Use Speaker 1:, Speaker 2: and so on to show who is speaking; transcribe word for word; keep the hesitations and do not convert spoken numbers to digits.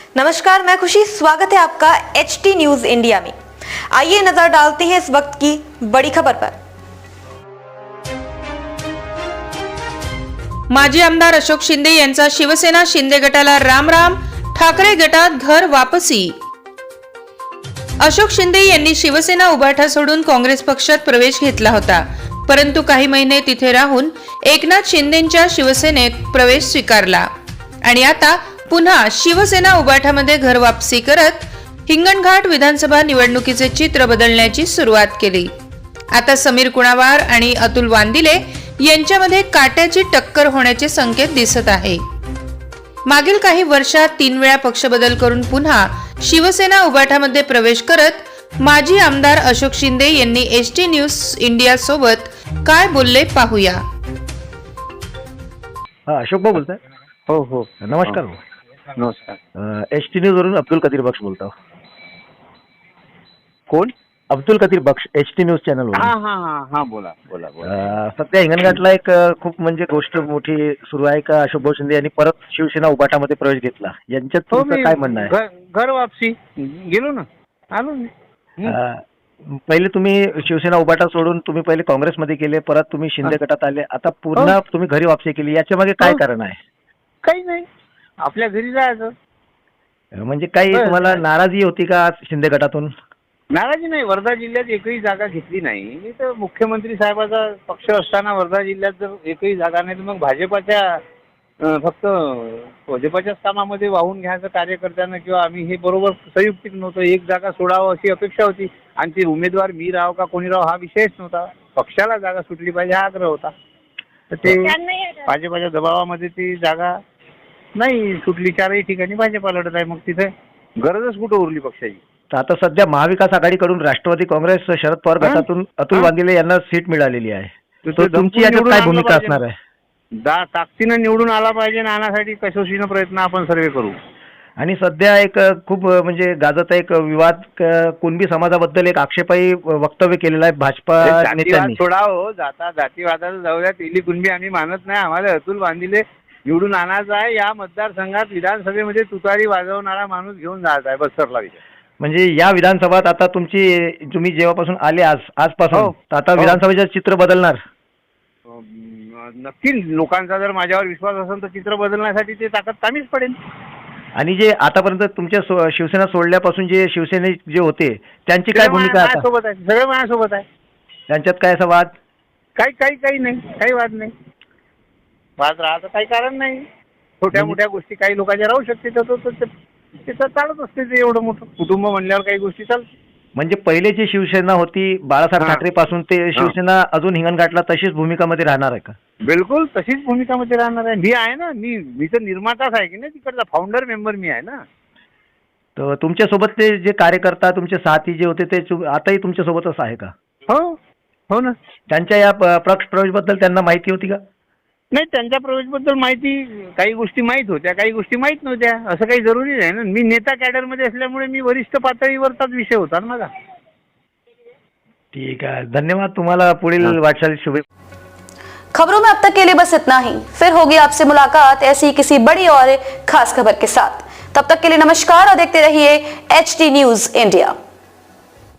Speaker 1: नमस्कार, मैं खुशी, स्वागत है आपका एच टी न्यूज इंडिया में। आइए नजर डालते हैं इस वक्त की बड़ी खबर पर।
Speaker 2: माजी आमदार अशोक शिंदे यांचा शिवसेना शिंदे गटाला राम राम, ठाकरे गटात घर वापसी। अशोक शिंदे यांनी शिवसेना उभाटा सोडून काँग्रेस पक्षात प्रवेश घेतला होता, परंतु काही महिने तिथे राहून एकनाथ शिंदेंच्या शिवसेनेत प्रवेश स्वीकारला आणि आता पुन्हा शिवसेना उभाटामध्ये घर वापसी करत हिंगणघाट विधानसभा निवडणुकीचे चित्र बदलण्याची सुरुवात केली। आता समीर कुणावार आणि अतुल वांदिले यांच्यामध्ये काट्याची टक्कर होण्याचे संकेत दिसत आहे। मागील काही वर्षात तीन वेळा पक्ष बदल करून पुन्हा शिवसेना उभाटामध्ये प्रवेश करत माजी आमदार अशोक शिंदे यांनी एच टी न्यूज इंडिया सोबत काय बोलले पाहूया।
Speaker 3: हा, अशोक भाऊ बोलताय?
Speaker 4: हो हो,
Speaker 3: नमस्कार।
Speaker 4: नमस्कार।
Speaker 3: एच टी न्यूज वरून अब्दुल कदीर बख्श बोलतो।
Speaker 4: कोण?
Speaker 3: Abdul Qadir Bakhsh, H T news channel वरून।
Speaker 4: हा हा हा हा बोला बोला बोला।
Speaker 3: सध्या हिंगणघाटला एक अ, खूप म्हणजे गोष्ट मोठी सुरू आहे का अशोक भाऊ शिंदे यांनी परत शिवसेना उभाटामध्ये प्रवेश घेतला, यांच्यात
Speaker 4: हो,
Speaker 3: तुमचं
Speaker 4: मी
Speaker 3: काय म्हणणं आहे?
Speaker 4: घर- घर वापसी गेलो ना, आलो मी। हं.
Speaker 3: अ, पहिले तुम्ही शिवसेना उभाटा सोडून तुम्ही पहिले काँग्रेसमध्ये गेले, परत तुम्ही शिंदे गटात आले, आता पुन्हा तुम्ही घरी वापसी केली, याच्या मागे काय
Speaker 4: हो.
Speaker 3: कारण आहे?
Speaker 4: काही नाही, आपल्या घरी जायचं।
Speaker 3: म्हणजे काही
Speaker 4: बरं.
Speaker 3: तुम्हाला नाराजी होती का शिंदे गटातून?
Speaker 4: नाराजी नाही, वर्धा जिल्ह्यात एकही जागा घेतली नाही मी तर। मुख्यमंत्री साहेबाचा पक्ष असताना वर्धा जिल्ह्यात जर एकही जागा नाही तर मग भाजपाच्या अं, फक्त भाजपाच्याच कामामध्ये वाहून घ्यायचं कार्यकर्त्यांना, किंवा आम्ही हे बरोबर संयुक्तिक नव्हतं, एक जागा सोडावं अशी अपेक्षा होती आणि ती उमेदवार मी राव का कोणी राव हा विषयच नव्हता, पक्षाला जागा सुटली पाहिजे हा आग्रह होता। तर ते भाजपाच्या दबावामध्ये ती जागा नाही सुटली, चारही ठिकाणी भाजपा लढत आहे, मग तिथे गरजच कुठं उरली पक्षाची।
Speaker 3: तर आता सध्या महाविकास आघाडीकडून राष्ट्रवादी काँग्रेस शरद पवार गटातून अतुल
Speaker 4: हा.
Speaker 3: वांदिले यांना सीट मिळालेली आहे,
Speaker 4: तर
Speaker 3: तर
Speaker 4: ते
Speaker 3: तुमची
Speaker 4: दमपून
Speaker 3: याच्यात
Speaker 4: निवडून
Speaker 3: काय
Speaker 4: आणलं
Speaker 3: भूमिका
Speaker 4: पाहिजे.
Speaker 3: असणार आहे?
Speaker 4: दा ताकदीनं निवडून आला पाहिजे, नाण्यासाठी कसोशीनं प्रयत्न आपण सर्व करू।
Speaker 3: आणि सध्या एक अ, खूप अ, म्हणजे गाजत एक विवाद क- कुणबी समाजाबद्दल एक आक्षेपाई वक्तव्य केलेलं आहे भाजपा
Speaker 4: जातीवाद
Speaker 3: नेत्यांनी।
Speaker 4: सोडा हो, जाता जातीवादाला जाऊया, तेली कुणबी आम्ही मानत नाही। आम्हाला अतुल वांदिले निवडून आणायचा आहे, या मतदारसंघात विधानसभेमध्ये तुतारी वाजवणारा माणूस घेऊन जायचा आहे, बस सरला विषय।
Speaker 3: म्हणजे या विधानसभात आता तुमची तुम्ही जेव्हापासून आले आज आजपासून
Speaker 4: हो.
Speaker 3: तर आता
Speaker 4: हो.
Speaker 3: विधानसभेचं चित्र बदलणार?
Speaker 4: अं, नक्की लोकांचा जर माझ्यावर विश्वास असेल तर चित्र बदलण्यासाठी ते ताकद कामीच पडेल।
Speaker 3: आणि जे आतापर्यंत तुमच्या सो- शिवसेना सोडल्यापासून जे शिवसेने जे होते त्यांची काय
Speaker 4: सगळे
Speaker 3: भूमिका
Speaker 4: माझ्या-
Speaker 3: आता?
Speaker 4: माझ्यासोबत आहे, सगळे माझ्यासोबत आहे,
Speaker 3: त्यांच्यात काय असा वाद?
Speaker 4: काही काही काही नाही, काही वाद नाही, वाद राहायचं काही कारण नाही। छोट्या मोठ्या गोष्टी काही लोकांच्या राहू शकते, तर तो- तो- तो- तिथं चालत असते, ते एवढं मोठं कुटुंब म्हणल्यावर काही गोष्टी चालतात।
Speaker 3: म्हणजे पहिले जी शिवसेना होती बाळासाहेब
Speaker 4: हा.
Speaker 3: ठाकरे पासून ते शिवसेना अजून हिंगणघाटला तशीच भूमिकामध्ये राहणार आहे का?
Speaker 4: बिलकुल तशीच भूमिकामध्ये राहणार आहे। मी आहे ना, मी मी तर निर्माताच आहे की नाही, तिकडचा फाउंडर मेंबर मी आहे ना।
Speaker 3: तर तुमच्यासोबत ते जे कार्यकर्ता तुमचे साथी जे होते ते तु- आताही तुमच्यासोबतच आहे का?
Speaker 4: हो हो ना।
Speaker 3: त्यांच्या या प- पक्ष प्रवेशबद्दल त्यांना माहिती होती का?
Speaker 4: नाही, त्यांच्या प्रवेशबद्दल माहिती, काही गोष्टी माहीत होत्या, काही गोष्टी माहीत नव्हत्या, असं काही जरुरी नाही ना। मी नेता कॅडरमध्ये असल्यामुळे मी वरिष्ठ पातळीवरचाच विषय होता ना माझा।
Speaker 3: ठीक है, धन्यवाद। तुम्हाला पुढील वाटचाल शुभे।
Speaker 1: खबरों में अब तक के लिए बस इतना ही। फिर होगी आपसे मुलाकात ऐसी ही किसी बड़ी और खास खबर के साथ। तब तक के लिए नमस्कार और देखते रहिए एच टी न्यूज इंडिया।